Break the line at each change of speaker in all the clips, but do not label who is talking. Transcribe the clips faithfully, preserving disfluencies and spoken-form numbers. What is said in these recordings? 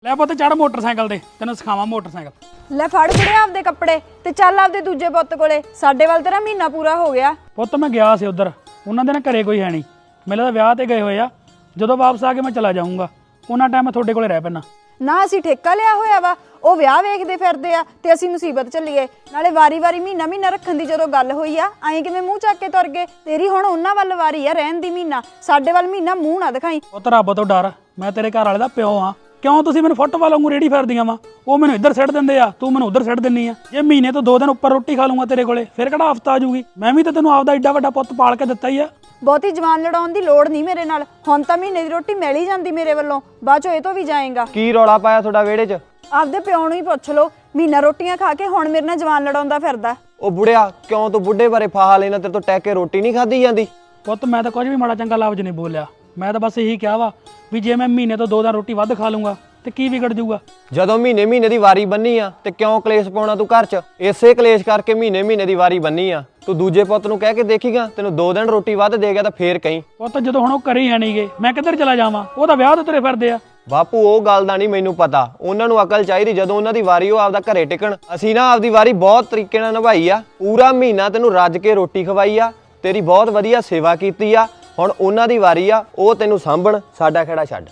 ਲੈ ਪੁੱਤ ਚੜ ਮੋਟਰਸਾਈਕਲ ਤੇ ਤੈਨੂੰ ਸਿਖਾਵਾਂ ਮੋਟਰਸਾਈਕਲ।
ਲੈ ਫੜ ਫੜਿਆ ਆਪਦੇ ਕੱਪੜੇ ਤੇ ਚੱਲ ਆਪਦੇ ਦੂਜੇ ਪੁੱਤ ਕੋਲੇ। ਸਾਡੇ ਵੱਲ ਤੇਰਾ ਮਹੀਨਾ ਪੂਰਾ ਹੋ ਗਿਆ।
ਪੁੱਤ ਮੈਂ ਗਿਆ ਸੀ ਉਧਰ, ਉਹਨਾਂ ਦੇ ਨਾ ਘਰੇ ਕੋਈ ਹੈ ਨਹੀਂ, ਮੇਰੇ ਤਾਂ ਵਿਆਹ ਤੇ ਗਏ ਹੋਏ ਆ। ਜਦੋਂ ਵਾਪਸ ਆ ਕੇ ਮੈਂ ਚਲਾ ਜਾਊਂਗਾ, ਉਹਨਾਂ ਟਾਈਮ ਮੈਂ ਤੁਹਾਡੇ ਕੋਲੇ ਰਹਿ ਪੈਣਾ।
ਨਾ ਅਸੀਂ ਠੇਕਾ ਲਿਆ ਹੋਇਆ ਵਾ, ਉਹ ਵਿਆਹ ਵੇਖਦੇ ਫਿਰਦੇ ਆ ਤੇ ਅਸੀਂ ਮੁਸੀਬਤ ਚੱਲੀਏ। ਨਾਲੇ ਵਾਰੀ-ਵਾਰੀ ਮਹੀਨਾ ਮਹੀਨਾ ਰੱਖਣ ਦੀ ਜਦੋਂ ਗੱਲ ਹੋਈ ਆ, ਐਂ ਕਿਵੇਂ ਮੂੰਹ ਚੱਕ ਕੇ ਤੁਰ ਗਏ? ਤੇਰੀ ਹੁਣ ਉਹਨਾਂ ਵੱਲ ਵਾਰੀ ਆ ਰਹਿਣ ਦੀ ਮਹੀਨਾ, ਸਾਡੇ ਵੱਲ ਮਹੀਨਾ ਮੂੰਹ ਨਾ ਦਿਖਾਈ।
ਪੁੱਤ ਰੱਬ ਤੋਂ ਡਰ, ਮੈਂ ਤੇਰੇ ਘਰ ਵਾਲੇ ਦਾ ਪਿਓ ਆ। ਕਿਉਂ ਤੁਸੀਂ ਮੈਨੂੰ ਫੁੱਟਬਾਲ ਵਾਂਗੂ ਰੇੜੀ ਫਿਰਦੀਆਂ ਵਾ? ਉਹ ਮੈਨੂੰ ਇੱਧਰ ਸਿੱਟ ਦਿੰਦੇ ਆ, ਤੂੰ ਮੈਨੂੰ ਉੱਧਰ ਸਿੱਟ ਦਿੰਨੀ ਆ। ਜੇ ਮਹੀਨੇ ਤੋਂ ਦੋ ਦਿਨ ਉੱਪਰ ਰੋਟੀ ਖਾ ਲੂੰਗਾ ਤੇਰੇ ਕੋਲੇ, ਫਿਰ ਕਿਹੜਾ ਹਫਤਾ ਆ ਜੂਗੀ? ਮੈਂ ਵੀ ਤਾਂ ਤੈਨੂੰ ਆਪਦਾ ਏਡਾ ਵੱਡਾ ਪੁੱਤ ਪਾਲ ਕੇ ਦਿੱਤਾ ਹੀ ਆ।
ਬਹੁਤੀ ਜਵਾਨ ਲੜਾਉਣ ਦੀ ਲੋੜ ਨਹੀਂ ਮੇਰੇ ਨਾਲ। ਹੁਣ ਤਾਂ ਮਹੀਨੇ ਦੀ ਰੋਟੀ ਮਿਲ ਹੀ ਜਾਂਦੀ ਮੇਰੇ ਵੱਲੋਂ, ਬਾਅਦ ਚੋਂ ਇਹ ਤੋਂ ਵੀ ਜਾਏਗਾ।
ਕੀ ਰੌਲਾ ਪਾਇਆ ਤੁਹਾਡਾ ਵਿਹੜੇ 'ਚ?
ਆਪਦੇ ਪਿਓ ਨੂੰ ਹੀ ਪੁੱਛ ਲਓ, ਮਹੀਨਾ ਰੋਟੀਆਂ ਖਾ ਕੇ ਹੁਣ ਮੇਰੇ ਨਾਲ ਜਵਾਨ ਲੜਾਉਂਦਾ ਫਿਰਦਾ।
ਉਹ ਬੁੜਿਆ, ਕਿਉਂ ਤੂੰ ਬੁੱਢੇ ਬਾਰੇ ਫਾਹਾ ਲੈਣਾ? ਤੇਰੇ ਤੋਂ ਟੈਕ ਕੇ ਰੋਟੀ ਨਹੀਂ ਖਾਧੀ ਜਾਂਦੀ?
ਪੁੱਤ ਮੈਂ ਤਾਂ ਕੁਝ ਵੀ ਮਾੜਾ ਚੰਗਾ ਲਫ਼ਜ਼ ਨਹੀਂ ਬੋਲਿਆ, ਮੈਂ ਤਾਂ ਬਸ ਇਹੀ ਕਿਹਾ ਵਾ ਵੀ ਜੇ ਮੈਂ ਮਹੀਨੇ ਤੋਂ ਦੋ ਦਿਨ ਰੋਟੀ ਵੱਧ ਖਾ ਲੂੰਗਾ ਤੇ ਕੀ ਵਿਗੜ ਜਾਊਗਾ?
ਜਦੋਂ ਮਹੀਨੇ ਮਹੀਨੇ ਦੀ ਵਾਰੀ ਬੰਨੀ ਆ ਤੇ ਕਿਉਂ ਕਲੇਸ਼ ਪਾਉਣਾ ਤੂੰ ਘਰ 'ਚ? ਇਸੇ ਕਲੇਸ਼ ਕਰਕੇ ਮਹੀਨੇ ਮਹੀਨੇ ਦੀ ਵਾਰੀ ਬੰਨੀ ਆ। ਤੂੰ ਦੂਜੇ ਪੁੱਤ ਨੂੰ ਕਹਿ ਕੇ ਦੇਖੀਗਾ, ਤੈਨੂੰ ਦੋ ਦਿਨ ਰੋਟੀ ਵੱਧ ਦੇ ਗਿਆ ਤਾਂ ਫੇਰ ਕਹੀਂ।
ਪੁੱਤ ਜਦੋਂ ਹੁਣ ਉਹ ਘਰੇ ਹੀ ਹੈ ਨਹੀਂਗੇ, ਮੈਂ ਕਿੱਧਰ ਚਲਾ ਜਾਵਾਂ? ਉਹ ਤਾਂ ਵਿਆਹ ਤੇ ਤੁਰੇ ਫਿਰਦੇ ਆ।
ਬਾਪੂ ਉਹ ਗੱਲ ਦਾ ਨਹੀਂ ਮੈਨੂੰ ਪਤਾ, ਉਹਨਾਂ ਨੂੰ ਅਕਲ ਚਾਹੀਦੀ। ਜਦੋਂ ਉਹਨਾਂ ਦੀ ਵਾਰੀ ਉਹ ਆਪਦਾ ਘਰੇ ਟਿਕਣ। ਅਸੀਂ ਨਾ ਆਪਦੀ ਵਾਰੀ ਬਹੁਤ ਤਰੀਕੇ ਨਾਲ ਨਿਭਾਈ ਆ, ਪੂਰਾ ਮਹੀਨਾ ਤੈਨੂੰ ਰੱਜ ਕੇ ਰੋਟੀ ਖਵਾਈ ਆ, ਤੇਰੀ ਬਹੁਤ ਵਧੀਆ ਸੇਵਾ ਕੀਤੀ ਆ। ਹੁਣ ਉਹਨਾਂ ਦੀ ਵਾਰੀ ਆ, ਉਹ ਤੈਨੂੰ ਸਾਂਭਣ, ਸਾਡਾ ਖੇੜਾ ਛੱਡ।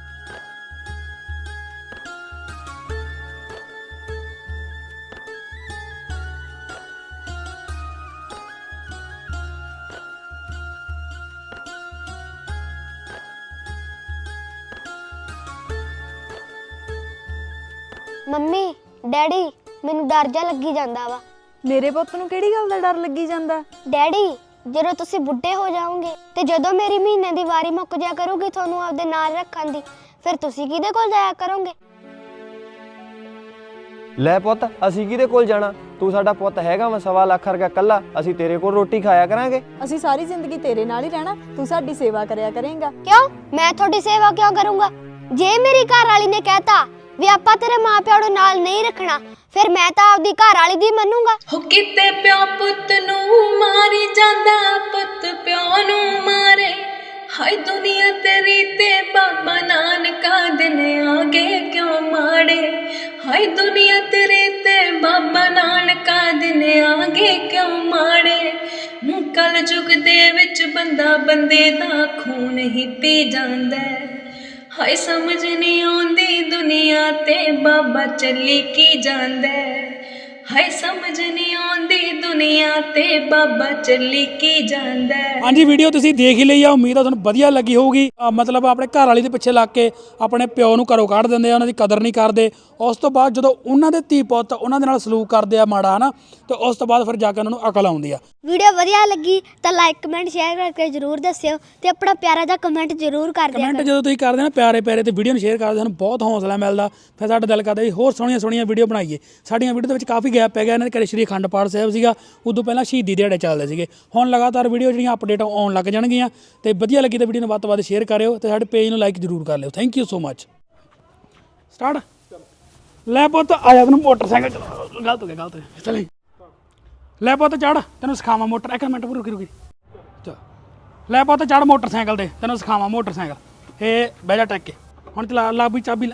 ਮੰਮੀ ਡੈਡੀ ਮੈਨੂੰ ਡਰ ਜਾ ਲੱਗੀ ਜਾਂਦਾ ਵਾ।
ਮੇਰੇ ਪੁੱਤ ਨੂੰ ਕਿਹੜੀ ਗੱਲ ਦਾ ਡਰ ਲੱਗੀ ਜਾਂਦਾ?
ਡੈਡੀ ਜਦੋਂ ਤੁਸੀਂ ਬੁੱਢੇ ਹੋ ਜਾਓਗੇ ਤੇ ਜਦੋਂ ਮੇਰੀ ਮਹੀਨੇ ਦੀ ਵਾਰੀ ਮੁੱਕ ਜਾ ਕਰੂਗੀ ਤੁਹਾਨੂੰ ਆਪਦੇ ਨਾਲ ਰੱਖਣ ਦੀ, ਫਿਰ ਤੁਸੀਂ ਕਿਹਦੇ ਕੋਲ ਜਾਇਆ ਕਰੋਗੇ?
ਲੈ ਪੁੱਤ, ਅਸੀਂ ਕਿਹਦੇ ਕੋਲ ਜਾਣਾ? ਤੂੰ ਸਾਡਾ ਪੁੱਤ ਹੈਗਾ ਵਾ ਸਵਾ ਲੱਖ ਰੁਪਇਆ ਕੱਲਾ, ਅਸੀਂ ਤੇਰੇ ਕੋਲ ਰੋਟੀ ਖਾਇਆ ਕਰਾਂਗੇ।
ਅਸੀਂ ਸਾਰੀ ਜ਼ਿੰਦਗੀ ਤੇਰੇ ਨਾਲ ਹੀ ਰਹਿਣਾ, ਤੂੰ ਸਾਡੀ ਸੇਵਾ ਕਰਿਆ ਕਰੇਂਗਾ।
ਕਿਉਂ? ਮੈਂ ਤੁਹਾਡੀ ਸੇਵਾ ਕਿਉਂ ਕਰੂੰਗਾ? ਜੇ ਮੇਰੀ ਘਰ ਵਾਲੀ ਨੇ ਕਹਿਤਾ ਵੀ ਆਪਾਂ ਤੇਰੇ ਮਾਪਿਆਂ ਨੂੰ ਨਾਲ ਨਹੀਂ ਰੱਖਣਾ, ਫਿਰ ਮੈਂ ਤਾਂ ਆਪਦੀ ਘਰ ਵਾਲੀ ਦੀ ਮੰਨੂੰਗਾ।
ਹੋ ਕਿਤੇ ਪਿਓ ਪੁੱਤ ਨੂੰ ਮਾਰੀ ਜਾਂਦਾ, ਪੁੱਤ ਪਿਓ ਨੂੰ ਮਾਰੇ। ਹਾਏ ਦੁਨੀਆ ਤੇਰੀ ਤੇ ਬਾਬਾ ਨਾਨਕਾ ਦਿਨ ਆਗੇ ਕਿਉਂ ਮਾੜੇ। ਹਾਏ ਦੁਨੀਆ ਤੇਰੀ ਤੇ ਬਾਬਾ ਨਾਨਕਾ ਦਿਨ ਆਗੇ ਕਿਉਂ ਮਾੜੇ। ਕਲ ਯੁੱਗ ਦੇ ਵਿੱਚ ਬੰਦਾ ਬੰਦੇ ਦਾ ਖੂਨ ਹੀ ਪੀ ਜਾਂਦਾ। ਹਾਏ ਸਮਝ ਨਹੀਂ ਆਉਂਦੀ ਦੁਨੀਆ ਤੇ ਬਾਬਾ ਚੱਲੀ ਕੀ ਜਾਂਦਾ। ਹਾਏ ਸਮਝ ਨਹੀਂ ਆਉਂਦੀ ਦੁਨੀਆ ਤੇ ਬਾਬਾ ਚੱਲੀ ਕੀ ਜਾਂਦਾ।
ਹਾਂਜੀ, ਵੀਡੀਓ ਤੁਸੀਂ ਦੇਖ ਹੀ ਲਈ ਆ, ਉਮੀਦ ਆ ਤੁਹਾਨੂੰ ਵਧੀਆ ਲੱਗੀ ਹੋਊਗੀ। ਅਹ ਮਤਲਬ ਆਪਣੇ ਘਰ ਵਾਲੀ ਦੇ ਪਿੱਛੇ ਲੱਗ ਕੇ ਆਪਣੇ ਪਿਓ ਨੂੰ ਘਰੋਂ ਕੱਢ ਦਿੰਦੇ ਆ, ਉਹਨਾਂ ਦੀ ਕਦਰ ਨਹੀਂ ਕਰਦੇ। ਉਸ ਤੋਂ ਬਾਅਦ ਜਦੋਂ ਉਹਨਾਂ ਦੇ ਧੀ ਪੁੱਤ ਉਹਨਾਂ ਦੇ ਨਾਲ ਸਲੂਕ ਕਰਦੇ ਆ ਮਾੜਾ, ਹਨਾ, ਤੇ ਉਸ ਤੋਂ ਬਾਅਦ ਫਿਰ ਜਾ ਕੇ ਉਹਨਾਂ ਨੂੰ ਅਕਲ ਆਉਂਦੀ ਆ।
ਵੀਡੀਓ ਵਧੀਆ ਲੱਗੀ ਤਾਂ ਲਾਈਕ ਕਮੈਂਟ ਸ਼ੇਅਰ ਕਰਕੇ ਜਰੂਰ ਦੱਸਿਓ ਤੇ ਆਪਣਾ ਪਿਆਰਾ ਜਿਹਾ ਕਮੈਂਟ ਜਰੂਰ ਕਰ ਦਿਓ।
ਕਮੈਂਟ ਜਦੋਂ ਤੁਸੀਂ ਕਰਦੇ ਨਾ ਪਿਆਰੇ ਪਿਆਰੇ ਤੇ ਵੀਡੀਓ ਨੂੰ ਸ਼ੇਅਰ ਕਰਦੇ, ਸਾਨੂੰ ਬਹੁਤ ਹੌਸਲਾ ਮਿਲਦਾ। ਫਿਰ ਸਾਡਾ ਦਿਲ ਕਰਦਾ ਜੀ ਹੋਰ ਸੋਹਣੀਆਂ ਸੋਹਣੀਆਂ ਵੀਡੀਓ ਬਣਾਈਏ। ਸਾਡੀਆਂ ਵੀਡੀਓ ਦੇ ਵਿੱਚ ਕਾਫੀ ਗੈਪ ਪੈ ਗਿਆ। ਇਹਨਾਂ ਦੇ ਘਰੇ ਸ਼੍ਰੀ ਅਖੰਡ ਪਾਠ ਸਾਹਿਬ ਸੀਗਾ, ਉਦੋਂ ਪਹਿਲਾਂ ਸ਼ਹੀਦੀ ਦਿਹਾੜੇ ਚੱਲਦੇ ਸੀਗੇ। ਹੁਣ ਲਗਾਤਾਰ ਵੀਡੀਓ ਜਿਹੜੀਆਂ ਅਪਡੇਟ ਆਉਣ ਲੱਗ ਜਾਣਗੀਆਂ। ਤੇ ਵਧੀਆ ਲੱਗੀ ਤਾਂ ਵੀਡੀਓ ਨੂੰ ਵੱਧ ਤੋਂ ਵੱਧ ਸ਼ੇਅਰ ਕਰਿਓ ਤੇ ਸਾਡੇ ਪੇਜ ਨੂੰ ਲਾਈਕ ਜ਼ਰੂਰ ਕਰ ਲਿਓ। Thank you so much. Start. ਲੈ ਪੁੱਤ ਆ ਜਾ, ਤੈਨੂੰ ਮੋਟਰਸਾਈਕਲ ਚਲਾ। ਗਲਤ ਹੋ ਗਿਆ, ਗਲਤ ਹੋ ਗਿਆ, ਚੱਲ। ਲੈ ਪੁੱਤ ਚੜ, ਤੈਨੂੰ ਸਿਖਾਵਾਂ ਮੋਟਰ। ਇੱਕ ਮਿੰਟ ਰੁਕੀ ਰੁਕੀ ਚਲ। ਲੈ ਪੁੱਤ ਚੜ ਮੋਟਰਸਾਈਕਲ ਤੇ, ਤੈਨੂੰ ਸਿਖਾਵਾਂ ਮੋਟਰਸਾਈਕਲ। ਇਹ ਬਹਿ ਜਾ ਟੱਕ ਕੇ। ਹੁਣ ਚਲਾ, ਲਾ ਵੀ ਚਾਬੀ ਲੈ।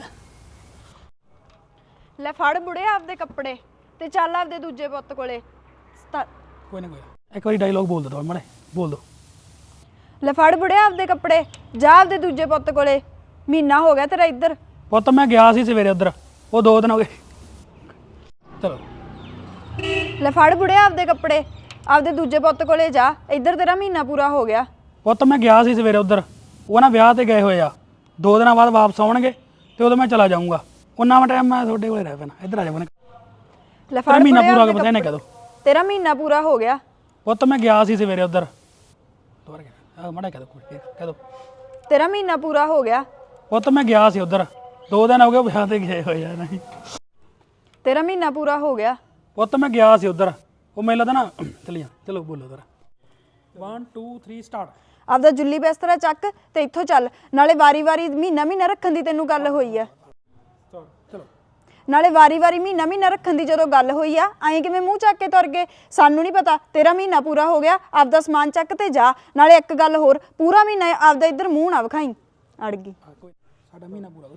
ਲੈ ਫੜ ਬੁੜੇ ਆਪਦੇ ਕੱਪੜੇ ਤੇ ਚੱਲ ਆਪਦੇ ਦੂਜੇ ਪੁੱਤ ਕੋਲੇ।
ਕੋਈ ਨਾ ਕੋਈ ਇੱਕ ਵਾਰੀ ਡਾਇਲੋਗ ਬੋਲ ਦੋ ਮਾੜੇ, ਬੋਲ ਦੋ।
ਲੈ ਫੜ ਬੁੜੇ ਆਪਦੇ ਕੱਪੜੇ, ਜਾ ਆਪਦੇ ਦੂਜੇ ਪੁੱਤ ਕੋਲੇ। ਮਹੀਨਾ ਹੋ ਗਿਆ ਤੇਰਾ ਇੱਧਰ।
ਪੁੱਤ ਮੈਂ ਗਿਆ ਸੀ ਸਵੇਰੇ ਉੱਧਰ, ਉਹ ਦੋ ਦਿਨ ਹੋ ਗਏ। ਚਲੋ।
ਲੈ ਫੜ ਬੁੜੇ ਆਪਦੇ ਕੱਪੜੇ, ਆਪਦੇ ਦੂਜੇ ਪੁੱਤ ਕੋਲੇ ਜਾ, ਇੱਧਰ ਤੇਰਾ ਮਹੀਨਾ ਪੂਰਾ ਹੋ ਗਿਆ।
ਪੁੱਤ ਮੈਂ ਗਿਆ ਸੀ ਸਵੇਰੇ ਉੱਧਰ, ਉਹ ਨਾ ਵਿਆਹ ਤੇ ਗਏ ਹੋਏ ਆ। ਦੋ ਦਿਨਾਂ ਬਾਅਦ ਵਾਪਸ ਆਉਣਗੇ ਤੇ ਉਦੋਂ ਮੈਂ ਚਲਾ ਜਾਊਂਗਾ। ਉਹਨਾਂ ਵਾ ਟਾਈਮ ਮੈਂ ਤੁਹਾਡੇ ਕੋਲੇ ਰਹਿ ਪੈਣਾ। ਇੱਧਰ ਆ ਜਾ।
ਲੈ ਫੜ
ਮਹੀਨਾ ਪੂਰਾ ਹੋ ਗਿਆ, ਪਤਾ ਨਹੀਂ ਕਦੋਂ।
ਤੇਰਾ ਮਹੀਨਾ ਪੂਰਾ ਹੋ ਗਿਆ।
ਪੁੱਤ ਮੈਂ ਗਿਆ ਸੀ ਸਵੇਰੇ ਉੱਧਰ। ਦੁਬਾਰਾ ਕਹਿ, ਮਾੜਾ ਕਹਿ ਦੋ, ਕਹਿ ਦੋ।
ਤੇਰਾ ਮਹੀਨਾ ਪੂਰਾ ਹੋ ਗਿਆ।
ਪੁੱਤ ਮੈਂ ਗਿਆ ਸੀ ਉੱਧਰ, ਦੋ ਦਿਨ ਹੋ ਗਏ ਵਿਆਹ ਤੇ ਗਏ ਹੋਏ ਆ। ਨਹੀਂ,
ਤੇਰਾ ਮਹੀਨਾ ਪੂਰਾ ਹੋ ਗਿਆ।
ਪੁੱਤ ਮੈਂ ਗਿਆ ਸੀ ਉੱਧਰ, ਉਹ ਮੈਨੂੰ ਲੱਗਦਾ ਨਾ। ਚੱਲੀਆਂ, ਚਲੋ ਬੋਲੋ ਉੱਧਰ। One two three start.
ਆਪਦਾ ਜੁੱਲੀ ਬਿਸਤਰਾ ਚੱਕ ਤੇ ਇੱਥੋਂ ਚੱਲ। ਨਾਲੇ ਵਾਰੀ ਵਾਰੀ ਮਹੀਨਾ ਮਹੀਨਾ ਰੱਖਣ ਦੀ ਤੈਨੂੰ ਗੱਲ ਹੋਈ ਆ।
ਚਲੋ।
ਨਾਲੇ ਵਾਰੀ ਵਾਰੀ ਮਹੀਨਾ ਮਹੀਨਾ ਰੱਖਣ ਦੀ ਜਦੋਂ ਗੱਲ ਹੋਈ ਆ, ਐਂ ਕਿਵੇਂ ਮੂੰਹ ਚੱਕ ਕੇ ਤੁਰ ਗਏ? ਸਾਨੂੰ ਨਹੀਂ ਪਤਾ, ਤੇਰਾ ਮਹੀਨਾ ਪੂਰਾ ਹੋ ਗਿਆ। ਆਪਦਾ ਸਮਾਨ ਚੱਕ ਤੇ ਜਾ। ਨਾਲੇ ਇੱਕ ਗੱਲ ਹੋਰ, ਪੂਰਾ ਮਹੀਨਾ ਆਪਦਾ ਇੱਧਰ ਮੂੰਹ ਨਾ ਵਿਖਾਈ। ਅੜ ਗਈ।
ਸਾਡਾ ਮਹੀਨਾ ਪੂਰਾ ਹੋ ਗਿਆ।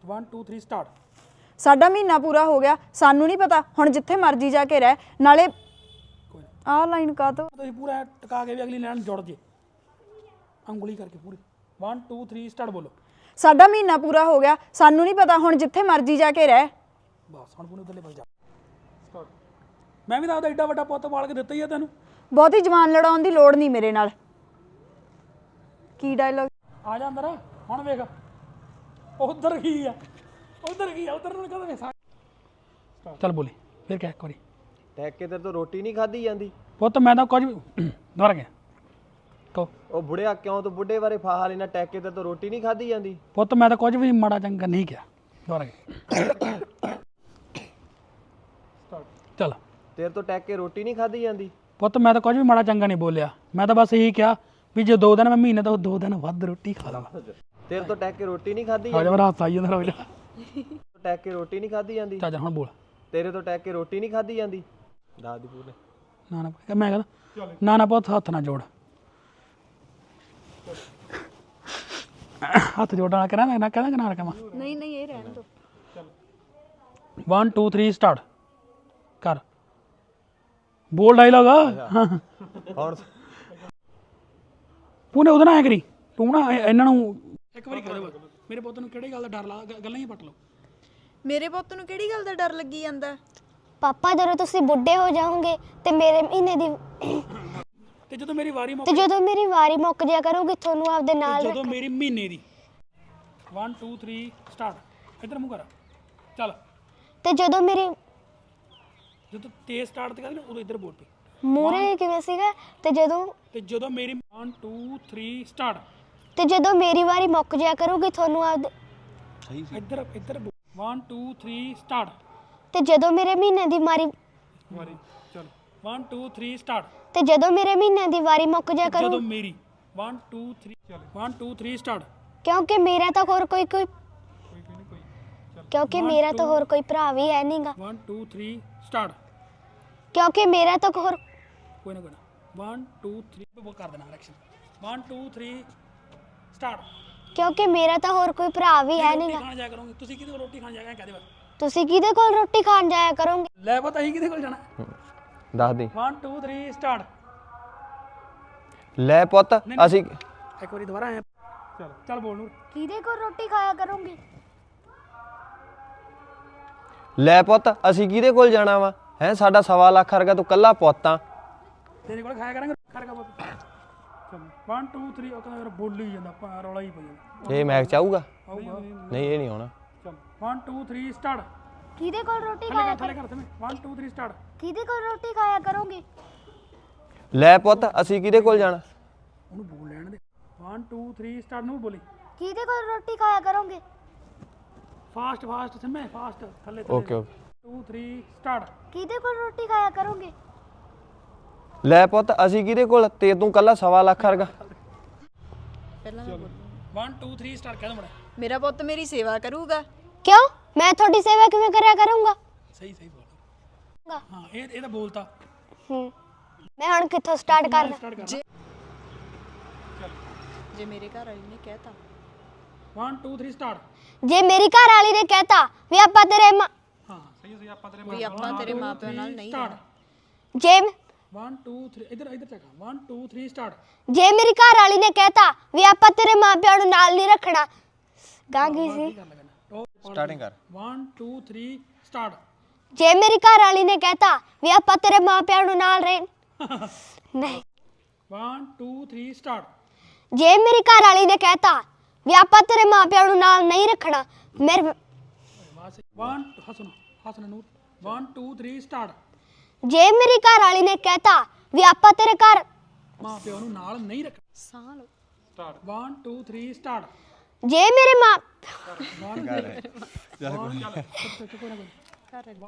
One two three start.
ਸਾਡਾ ਮਹੀਨਾ ਪੂਰਾ ਹੋ ਗਿਆ, ਸਾਨੂੰ ਨਹੀਂ ਪਤਾ ਹੁਣ ਜਿੱਥੇ ਮਰਜ਼ੀ ਜਾ ਕੇ ਰਹਿ। ਨਾਲੇ ਆਹ ਲਾਈਨ ਕਾ ਤੋਂ
ਤੁਸੀਂ ਪੂਰਾ ਐਂ ਟਿਕਾ ਕੇ ਵੀ ਅਗਲੀ ਲਾਈਨ ਜੁੜ ਜੇ, ਉਂਗਲੀ ਕਰਕੇ ਪੂਰੀ। वन टू थ्री स्टार्ट बोलो।
ਸਾਡਾ ਮਹੀਨਾ ਪੂਰਾ ਹੋ ਗਿਆ, ਸਾਨੂੰ ਨਹੀਂ ਪਤਾ ਹੁਣ ਜਿੱਥੇ ਮਰਜ਼ੀ ਜਾ ਕੇ ਰਹਿ।
ਬਸ ਹੁਣ ਪੂਰੇ ਉਧਰਲੇ ਪਾਸੇ ਜਾ ਸਟਾਰਟ। ਮੈਂ ਵੀ ਤਾਂ ਉਹਦਾ ਏਡਾ ਵੱਡਾ ਪੁੱਤ ਪਾਲ ਕੇ ਦਿੱਤਾ ਹੀ ਆ ਤੈਨੂੰ।
ਬਹੁਤੀ ਜਵਾਨ ਲੜਾਉਣ ਦੀ ਲੋੜ ਨਹੀਂ ਮੇਰੇ ਨਾਲ। ਕੀ ਡਾਇਲੋਗ?
ਆ ਜਾ ਅੰਦਰ ਹੁਣ ਵੇਖ ਉਧਰ ਕੀ ਆ, ਉਧਰ ਕੀ ਆ, ਉਧਰ ਨੂੰ ਕਦੋਂ ਵੇਖ। ਚੱਲ ਬੋਲੀ ਫਿਰ ਕਹਿ ਇੱਕ ਵਾਰੀ।
ਟੈਕ ਕੇ ਤੇਰੇ ਤੋਂ ਰੋਟੀ ਨਹੀਂ ਖਾਧੀ ਜਾਂਦੀ।
ਪੁੱਤ ਮੈਂ ਤਾਂ ਕੁਝ ਵੀ ਦੁਬਾਰਾ ਗਿਆ ਕਹੋ।
ਉਹ ਬੁੜਿਆ ਕਿਉਂ ਤੂੰ ਬੁੱਢੇ ਬਾਰੇ ਫਾਹਾ ਲੈਣਾ, ਟੈਕ ਕੇ ਤੇਰੇ ਤੋਂ ਰੋਟੀ ਨਹੀਂ ਖਾਧੀ ਜਾਂਦੀ।
ਪੁੱਤ ਮੈਂ ਤਾਂ ਕੁਝ ਵੀ ਮਾੜਾ ਚੰਗਾ ਨਹੀਂ ਕਿਹਾ। ਦੁਬਾਰਾ ਗਿਆ ਚੱਲ।
ਤੇਰੇ ਤੋਂ ਟੈਕ ਕੇ ਰੋਟੀ ਨਹੀਂ ਖਾਧੀ ਜਾਂਦੀ।
ਪੁੱਤ ਮੈਂ ਤਾਂ ਕੁਝ ਵੀ ਮਾੜਾ ਚੰਗਾ ਨਹੀਂ ਬੋਲਿਆ, ਮੈਂ ਤਾਂ ਬਸ ਇਹੀ ਕਿਹਾ ਵੀ ਜੇ ਦੋ ਦਿਨ ਮੈਂ ਮਹੀਨੇ ਤੋਂ ਦੋ ਦਿਨ ਵੱਧ ਰੋਟੀ ਖਾ ਲਵਾਂ।
ਤੇਰੇ ਤੋਂ ਟੈਕ ਕੇ ਰੋਟੀ ਨਹੀਂ ਖਾਧੀ
ਆ ਜਾ ਮੇਰਾ ਹੱਥ ਆਈ ਜਾਂਦਾ ਰੋਜ਼।
ਟੈਕ ਕੇ ਰੋਟੀ ਨਹੀਂ ਖਾਧੀ ਜਾਂਦੀ।
ਚਾਚਾ ਹੁਣ ਬੋਲ।
ਤੇਰੇ ਤੋਂ ਟੈਕ ਕੇ ਰੋਟੀ ਨਹੀਂ ਖਾਧੀ ਜਾਂਦੀ। ਦੱਸ ਦੀ ਪੂਰੇ।
ਨਾ ਨਾ ਮੈਂ ਕਹਿੰਦਾ ਨਾ ਨਾ ਪੁੱਤ ਹੱਥ ਨਾ ਜੋੜ, ਹੱਥ ਜੋੜਨਾ ਕਰਾਂ ਨਾ ਕਹਿੰਦਾ ਕਿ ਨਾ ਰਕਮਾ।
ਨਹੀਂ ਨਹੀਂ ਇਹ ਰਹਿਣ ਦੋ।
वन टू थ्री स्टार्ट कर बोल डायलॉग।
ਹੁਣ
ਪੂਨੇ ਉਹਦੇ ਨਾਲ ਐ ਕਰੀ ਤੂੰ ਨਾ ਇਹ- ਇਹਨਾਂ ਨੂੰ ਇੱਕ ਵਾਰੀ ਕਹਿ ਦੇ ਮੇਰੇ ਪੁੱਤ ਨੂੰ ਕਿਹੜੀ ਗੱਲ ਦਾ ਡਰ ਲਾ ਗ- ਗੱਲਾਂ ਹੀ ਪੱਟ ਲਓ।
ਮੇਰੇ ਪੁੱਤ ਨੂੰ ਕਿਹੜੀ ਗੱਲ ਦਾ ਡਰ ਲੱਗੀ ਜਾਂਦਾ?
ਪਾਪਾ ਜਦੋਂ ਤੁਸੀਂ ਬੁੱਢੇ ਹੋ ਜਾਓਗੇ ਤੇ ਮੇਰੇ ਮਹੀਨੇ ਦੀ
ਤੇ ਜਦੋਂ ਮੇਰੀ ਵਾਰੀ ਮੁੱਕ
ਤੇ ਜਦੋਂ ਮੇਰੀ ਵਾਰੀ ਮੁੱਕ ਜਾਇਆ ਕਰੂਗੀ ਤੁਹਾਨੂੰ ਆਪਦੇ ਨਾਲ
ਜਦੋਂ ਮੇਰੀ ਮਹੀਨੇ ਦੀ वन टू थ्री स्टार्ट ਇੱਧਰ ਮੂੰਹ ਕਰ ਚੱਲ।
ਤੇ ਜਦੋਂ ਮੇਰੀ
ਜਦੋਂ ਤੇਜ਼ ਸਟਾਰਟ ਤੇ ਕਹਿੰਦੇ ਉਦੋਂ ਇੱਧਰ ਬੋਲ ਪਈ।
ਮੂਰੇ ਕਿਵੇਂ ਸੀਗਾ ਤੇ ਜਦੋਂ
ਤੇ ਜਦੋਂ ਮੇਰੀ वन टू थ्री स्टार्ट
ਤੇ ਜਦੋਂ ਮੇਰੀ ਵਾਰੀ ਮੁੱਕ ਜਾਇਆ ਕਰੂਗੀ ਤੁਹਾਨੂੰ ਆਪਦੇ
ਇੱਧਰ ਇੱਧਰ वन टू थ्री स्टार्ट
ਤੇ ਜਦੋਂ ਮੇਰੇ ਮਹੀਨੇ ਦੀ ਮਾਰੀ
ਵਾਰੀ ਚੱਲ वन टू थ्री स्टार्ट
ਤੇ ਜਦੋਂ ਮੇਰੇ ਮਹੀਨੇ ਦੀ ਵਾਰੀ ਮੁੱਕ ਜਾਇਆ
ਜਦੋਂ
ਕਰੂ
ਮੇਰੀ वन टू थ्री ਚੱਲ वन टू थ्री स्टार्ट
ਕਿਉਂਕਿ ਮੇਰਾ ਤਾਂ ਹੋਰ ਕੋਈ ਕੋਈ ਕਿਉਂਕਿ ਮੇਰਾ ਤਾਂ ਹੋਰ ਕੋਈ ਭਰਾ ਵੀ ਹੈ ਨਹੀਂਗਾ
वन टू थ्री स्टार्ट
ਕਿਉਂਕਿ ਮੇਰਾ ਤਾਂ ਹੋਰ
ਕੋਈ ਨਾ ਕੋਈ ਨਾ वन टू थ्री वो कर देना action one two three start
ਕਿਉਂਕਿ ਮੇਰਾ ਤਾਂ ਹੋਰ ਕੋਈ ਭਰਾ ਵੀ ਹੈ ਨਹੀਂਗਾ
ਖਾਣ ਜਾਇਆ ਕਰੋਗੇ ਤੁਸੀਂ ਕਿਹਦੇ ਕੋਲ ਰੋਟੀ ਖਾਣ ਜਾਇਆ ਕਹਦੇ ਬਸ
ਤੁਸੀਂ ਕਿਹਦੇ ਕੋਲ ਰੋਟੀ ਖਾਣ ਜਾਇਆ ਕਰੋਗੇ
ਲੈ ਪਤਾ ਹੀ ਕਿਹਦੇ ਕੋਲ ਜਾਣਾ।
ਦੱਸ ਦੀ।
वन टू थ्री स्टार्ट
ਲੈ ਪੁੱਤ ਅਸੀਂ
ਇੱਕ ਵਾਰੀ ਦੁਬਾਰਾ ਆਇਆ ਚੱਲ ਚੱਲ ਬੋਲ ਨੂਰ।
ਕਿਹਦੇ ਕੋਲ ਰੋਟੀ ਖਾਇਆ ਕਰੋਗੇ
ਲੈ ਪੁੱਤ ਅਸੀਂ ਕਿਹਦੇ ਕੋਲ ਜਾਣਾ ਵਾ ਹੈ, ਸਾਡਾ ਸਵਾ ਲੱਖ ਵਰਗਾ ਤੂੰ ਕੱਲਾ ਪੁੱਤਾਂ।
ਤੇਰੇ ਕੋਲ ਖਾਇਆ ਕਰਾਂਗੇ ਖਰਗਾ ਪੁੱਤ। ਚੱਲ वन टू थ्री ਉਹ ਕਹਿੰਦਾ ਯਾਰ ਬੋਲੀ ਹੀ ਜਾਂਦਾ ਆਪਾਂ ਰੌਲਾ ਹੀ ਪਈ ਜਾਂਦਾ
ਇਹ ਮੈਚ ਚਾਹੂਗਾ?
ਆਊਗਾ।
ਨਹੀਂ ਇਹ ਨਹੀਂ ਆਉਣਾ।
ਚੱਲ वन टू थ्री स्टार्ट
ਕਿਹਦੇ ਕੋਲ ਰੋਟੀ
ਥੱਲੇ ਕਰ ਥੱਲੇ ਕਰ ਤੇ वन टू थ्री स्टार्ट
ਕਿਹਦੇ ਕੋਲ ਰੋਟੀ ਖਾਇਆ ਕਰੋਗੇ
ਲੈ ਪੁੱਤ ਅਸੀਂ ਕਿਹਦੇ ਕੋਲ ਜਾਣਾ।
ਉਹਨੂੰ ਬੋਲ ਲੈਣ ਦੇ वन टू थ्री स्टार्ट ਨੂੰ ਬੋਲੀ
ਕਿਹਦੇ ਕੋਲ ਰੋਟੀ ਖਾਇਆ ਕਰੋਗੇ
ਫਾਸਟ ਫਾਸਟ ਸਿੰਮੇ ਫਾਸਟ ਥੱਲੇ
okay okay.
Two three start
ਕਿਹਦੇ ਕੋਲ ਰੋਟੀ ਖਾਇਆ ਕਰੋਗੇ
ਲੈ ਪੁੱਤ ਅਸੀਂ ਕਿਹਦੇ ਕੋਲ, ਤੇ ਤੂੰ ਕੱਲਾ ਸਵਾ ਲੱਖ ਵਰਗਾ।
ਪਹਿਲਾਂ
वन टू थ्री स्टार्ट ਕਹਿ ਦੋ ਮੜਾ।
ਮੇਰਾ ਪੁੱਤ ਮੇਰੀ ਸੇਵਾ ਕਰੂਗਾ।
ਕਿਉਂ ਮੈਂ ਤੁਹਾਡੀ ਸੇਵਾ ਕਿਵੇਂ ਕਰਿਆ ਕਰੂੰਗਾ
ਸਹੀ ਸਹੀ ਬੋਲ। ਹਾਂ ਇਹ ਇਹ ਤਾਂ ਬੋਲਤਾ।
ਹੂੰ ਮੈਂ ਹੁਣ ਕਿੱਥੋਂ ਸਟਾਰਟ ਕਰਨਾ
ਸਟਾਰਟ ਕਰ
ਜੇ ਮੇਰੇ ਘਰ ਵਾਲੀ ਨੇ ਕਹਿਤਾ
वन टू थ्री स्टार्ट
ਜੇ ਮੇਰੀ ਘਰ ਵਾਲੀ ਨੇ ਕਹਿਤਾ ਵੀ ਆਪਾਂ ਤੇਰੇ ਮਾਂ
ਹਾਂ ਸਹੀ ਸਹੀ ਆਪਾਂ ਤੇਰੇ
ਵੀ ਆਪਾਂ ਤੇਰੇ ਮਾਪਿਆਂ ਨਾਲ ਨਹੀਂ ਰਹਿਣਾ।
ਜੇ
वन टू थ्री ਇੱਧਰ ਇੱਧਰ ਚੱਕ वन टू थ्री स्टार्ट
ਜੇ ਮੇਰੀ ਘਰ ਵਾਲੀ ਨੇ ਕਹਿਤਾ ਵੀ ਆਪਾਂ ਤੇਰੇ ਮਾਪਿਆਂ ਨੂੰ ਨਾਲ ਨਹੀਂ ਰੱਖਣਾ ਗਾਂ ਗਈ ਸੀ
ਸਟਾਰਟਿੰਗ ਕਰ।
वन टू थ्री स्टार्ट
ਜੇ ਮੇਰੀ ਘਰ ਵਾਲੀ ਨੇ ਕਹਿਤਾ ਵੀ ਆਪਾਂ ਤੇਰੇ ਮਾਪਿਆਂ ਨੂੰ ਨਾਲ ਰਹਿ ਨਹੀਂ
वन टू थ्री स्टार्ट
ਜੇ ਮੇਰੀ ਘਰ ਵਾਲੀ ਨੇ ਕਹਿਤਾ ਵੀ ਆਪਾਂ ਤੇਰੇ ਮਾਪਿਆਂ ਨੂੰ ਨਾਲ ਨਹੀਂ ਰੱਖਣਾ ਮੇਰੇ
one Hasan Hasan Noor one two three start
ਜੇ ਮੇਰੀ ਘਰ ਵਾਲੀ ਨੇ ਕਹਿਤਾ ਵੀ ਆਪਾਂ ਤੇਰੇ ਘਰ
ਮਾਂ ਪਿਓ ਨੂੰ ਨਾਲ ਨਹੀਂ ਰੱਖ
ਸਾਹ ਲਓ।
Start one two three start
ਜੇ ਮੇਰੇ ਮਾਂ
वन ਚੱਲ ਕੋਈ ਨਾ ਕੋਈ